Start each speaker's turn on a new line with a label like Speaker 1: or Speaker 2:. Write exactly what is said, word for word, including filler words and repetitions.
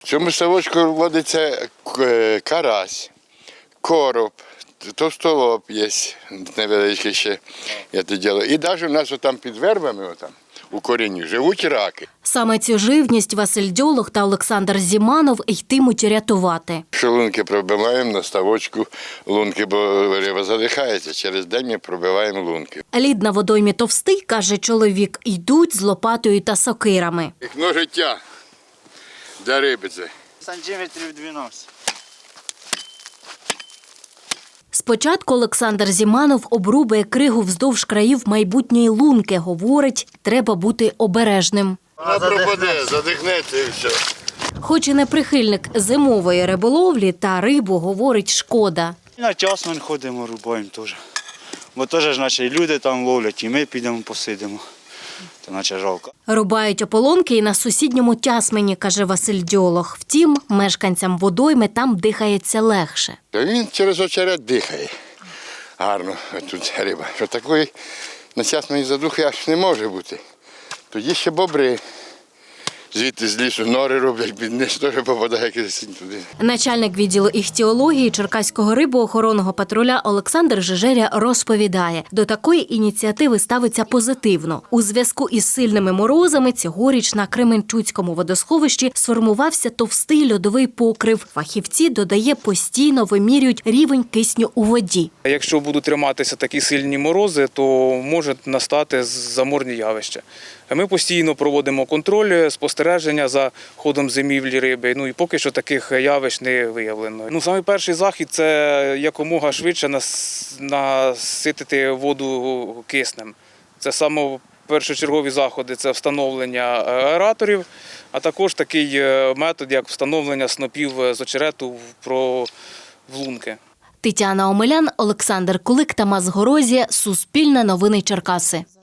Speaker 1: цьому ставочку водиться карась, короб, товстолоб є невеличкий ще. Я це роблю. І навіть у нас там під вербами, отам, у корінні, живуть раки.
Speaker 2: Саме цю живність Василь Дьолог та Олександр Зіманов йтимуть рятувати.
Speaker 1: Що лунки пробиваємо на ставочку лунки, бо риба задихається. Через день ми пробиваємо лунки.
Speaker 2: Лід на водоймі товстий, каже чоловік, йдуть з лопатою та сокирами.
Speaker 1: Вікно життя для риби це.
Speaker 3: Сантиметрів дванадцять.
Speaker 2: Спочатку Олександр Зіманов обрубує кригу вздовж країв майбутньої лунки. Говорить, треба бути обережним.
Speaker 1: Вона пропаде, задихнеться і все.
Speaker 2: Хоч і не прихильник зимової риболовлі, та рибу, говорить, шкода.
Speaker 3: На час ми ходимо, рубаємо теж. Бо теж ж наче люди там ловлять, і ми підемо посидимо. Це наче жалко.
Speaker 2: Рубають ополонки і на сусідньому Тясмині, каже Василь Дьолог. Втім, мешканцям водойми там дихається легше.
Speaker 1: Він через очерет дихає. Гарно тут риба. Що такої насясної задухи аж не може бути. Тоді ще бобри. Звідти з лісу нори роблять, бідниць теж попадає якийсь туди.
Speaker 2: Начальник відділу іхтіології Черкаського рибоохоронного патруля Олександр Жижеря розповідає, до такої ініціативи ставиться позитивно. У зв'язку із сильними морозами цьогоріч на Кременчуцькому водосховищі сформувався товстий льодовий покрив. Фахівці, додає, постійно вимірюють рівень кисню у воді.
Speaker 4: Якщо будуть триматися такі сильні морози, то можуть настати заморні явища. Ми постійно проводимо контроль, спостереження за ходом зимівлі риби. Ну і поки що таких явищ не виявлено. Ну, саме перший захід – це якомога швидше наситити воду киснем. Це саме першочергові заходи – це встановлення аераторів, а також такий метод, як встановлення снопів з очерету в лунки.
Speaker 2: Тетяна Омелян, Олександр Кулик, Тамас Горозія, Суспільне новини Черкаси.